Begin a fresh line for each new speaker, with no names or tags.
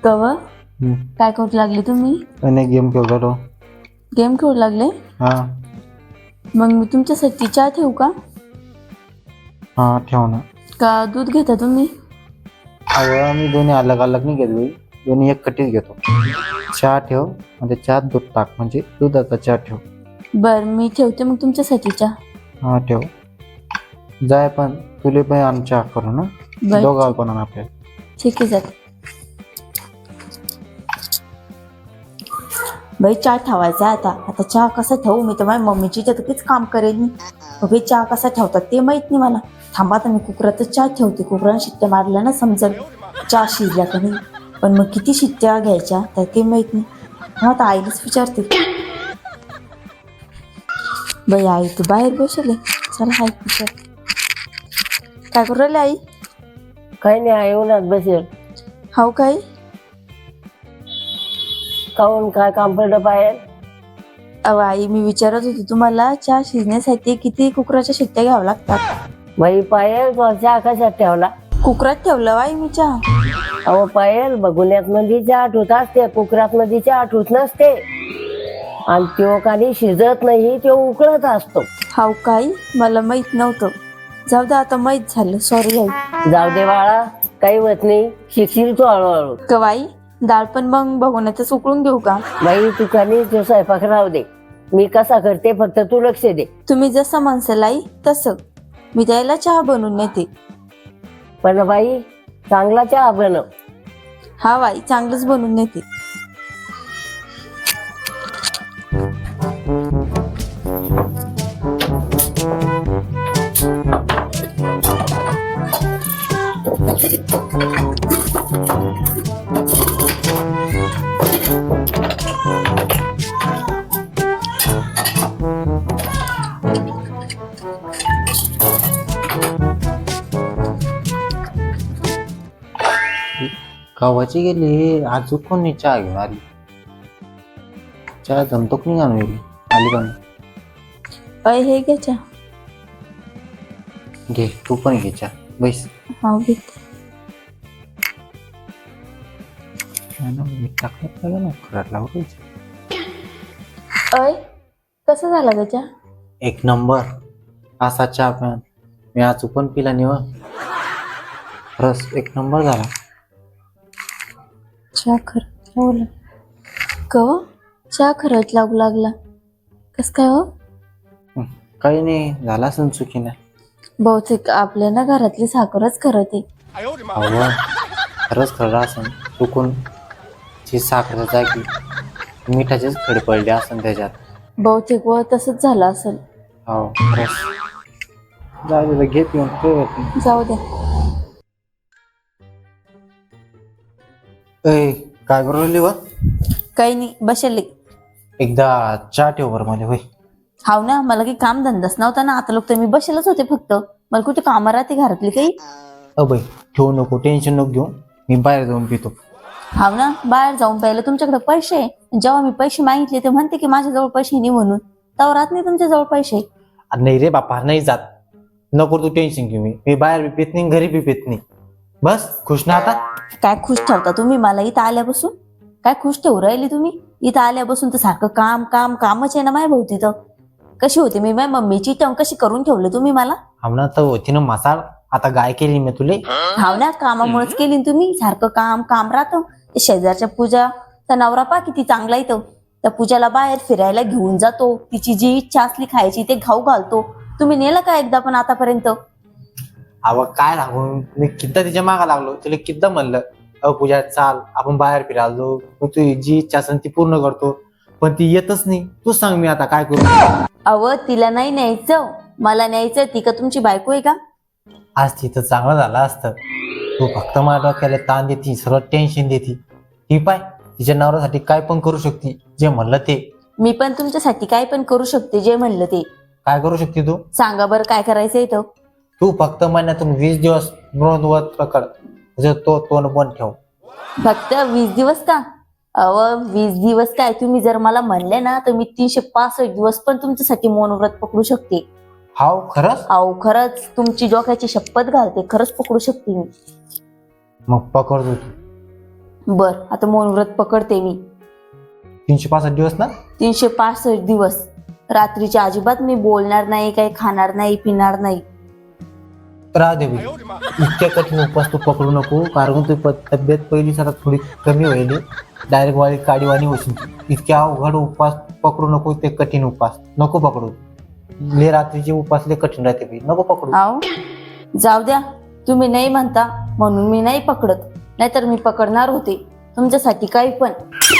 कव काय करू लागले तुम्ही?
अनेक गेम खेळतो.
गेम खेळू लागले?
हा
मग मी तुमच्यासाठी चहा ठेवू का?
हा ठेव ना.
का दूध घेता तुम्ही?
अहो आम्ही दोन्ही अलग अलग नाही घेतली, दोन्ही एक कटीच घेतो. चहा ठेव म्हणजे चहात दूध टाक, म्हणजे दुधाचा चहा ठेव.
बर मी ठेवते मग तुमच्यासाठी चहा.
हा ठेव. जाय पण तुले पण आमच्या करू ना,
बर
दोघांना पण आण आपल्या.
ठीक आहे जाते. बाई चहा ठेवायचा आता. आता चहा कसा ठेवू? मी तर माझ्या मम्मीची तिथेच काम करेल मी. बाई चहा कसा ठेवतात ते माहित नाही मला. थांबा आता मी कुकरातच चहा ठेवते. कुकराने शिट्ट्या मारल्या ना समजेल चहा शिजल्या का नाही. पण मग किती शिट्ट्या घ्यायच्या तर ते माहित नाही. हा आता आईलाच विचारते. बाई आई तू बाहेर बसले. चला आई विचार. काय करू राहिली आई?
काही नाही आहे उन्हात बसेल.
हाव काय?
काऊन काय काम पडलं बाहेर?
अहो आई मी विचारत होती तुम्हाला चहा शिजण्यासाठी किती कुकराच्या शिट्ट्या घ्याव्या लागतात?
बाई पायल तो चहा कशात ठेवला?
कुकरात ठेवलं आई मी चहा.
अहो पायल बघुन्यात मध्ये चहा ठेवत असते, कुकरात मध्ये चहा ठेवत नसते. आणि तो काली शिजत नाही, तो उकळत असतो.
हाव काय? मला माहित नव्हतं. जाऊ दे आता माहित झालं. सॉरी आई.
जाऊ दे बाळा, काही होत नाही, शिकशील तू हळूहळू.
कवाई डाळ पण मग बघूनच उकळून घेऊ का?
बाई तू काली तो स्वयंपाक राहू दे. मी कसा करते फक्त तू लक्ष दे.
तुम्ही जसं म्हणसाल आई तसं. मी द्यायला चहा बनवून नेते.
पण बाई चांगला चहा बनव.
हा बाई चांगलंच बनवून नेते.
गावाची गेली आज कोण नाही चहा घेऊन आली. चहा जमतो की नाही आणून आली का नाही?
अय हे घ्या चहा.
घे तू पण घे चहा. बैस.
हा घेते.
टाकलं ना खरात लावून.
अय कसं झाला ग चहा?
एक नंबर. असा चहा प्यान मी आज पण पिला निव. खरंच एक नंबर झाला
चहा खरंच लागू लागला. कव चहा खरंच लागू लागला. कस काय हो?
काही नाही झाला सण चुकीने.
बहुतेक आपल्या ना घरातली साखरच खरंच आहे.
अहो खरंच खरं असं चुकून ची साखर जागी मिठाचेच खडे पडले असन त्याच्यात.
बहुतेक व तसंच झालं असेल.
हो खरंच. जाऊ घे पिऊन काही होत नाही.
जाऊ द्या.
काय करू राहिली व?
काही नाही बसले.
एकदा चहा ठेव बरं मला. होय
हाव ना मला काही काम धंदाच नव्हता ना. आता लोक तर मी बसेलच होते फक्त. मला कुठे कामं राहते घरातली काही?
अबई ठेवू नको, टेन्शन नको घेऊ. मी बाहेर जाऊन पितो.
हाव ना बाहेर जाऊन प्यायला तुमच्याकडे पैसे आहे. जेव्हा मी पैसे मागितले ते म्हणते की माझ्याजवळ पैसे नाही म्हणून. तेव्हा राहत नाही तुमच्याजवळ पैसे.
नाही रे बापा नाही जात. नको तू टेन्शन घेऊ. मी बाहेर बी पित नाही, घरी बी पित नाही. बस खुश ना आता?
काय खुश ठेवता तुम्ही मला इथं आल्यापासून? काय खुश ठेवू राहिली तुम्ही? इथं आल्यापासून तर सारखं काम काम कामच आहे ना माझ्या भोवती. तर कशी होती मी माझ्या मम्मीची टंग कशी करून ठेवलं तुम्ही मला?
आमना तर होती ना मसाल. आता गाय केली मी तुले.
हाव ना कामामुळेच केली तुम्ही. सारखं काम काम राहतं. शेजारच्या पूजा त्या नवरा पा किती चांगला येतो. त्या पूजाला बाहेर फिरायला घेऊन जातो. तिची जी इच्छा असली खायची ते खाऊ घालतो. तुम्ही नेलं का एकदा पण आतापर्यंत?
अव काय लागून मी किद्दा तिच्या मागा लागलो. तुला किद्दा म्हणलं अ पूजा चाल आपण बाहेर फिरायलो. तू जी इच्छा असेल ती पूर्ण करतो. पण ती येतच नाही. तू सांग मी आता काय करू?
अव तिला नाही न्यायचं, मला न्यायचं. ती का तुमची बायको आहे का?
आज तिथं चांगलं झालं असतं. तू फक्त माझ्या डोक्याला ताण देती, सर्व टेन्शन देती. ती पाय तिच्या नवऱ्यासाठी काय पण करू शकते. जे म्हणलं ते.
मी पण तुमच्यासाठी काय पण करू शकते जे म्हणलं ते.
काय करू शकते तू?
सांगा बरं काय करायचं इथं?
तू फक्त महिन्यातून 20 दिवस नोंदवत पकड. तो तोंड बंद ठेव.
फक्त 20 दिवस का? अव 20 दिवस काय? तुम्ही जर मला म्हणले ना तर मी 365 दिवस पण तुमच्यासाठी मौन व्रत पकडू शकते.
हाव खरंच?
अहो खरंच तुमची डोक्याची शपथ घालते. खरंच पकडू शकते मी.
मग पकडतो तू.
बर आता मौन व्रत पकडते मी
365 दिवस ना?
365 दिवस. रात्रीच्या अजिबात मी बोलणार नाही, काही खाणार नाही, पिणार नाही.
राह दे बाई. इतक्या कठीण उपवास तू पकडू नको, कारण तू तब्येत पहिली जरा थोडी कमी होईल. डायरेक्ट वाळी काडीवाणी होशील. इतक्या अवघड उपवास पकडू नको, ते कठीण उपवास नको पकडू. ले रात्रीचे उपवास ले कठीण राहते बाई, नको पकडू.
आहो जाऊ द्या, तुम्ही नाही म्हणता म्हणून मी नाही पकडत, नाहीतर मी पकडणार होते तुमच्यासाठी काही पण.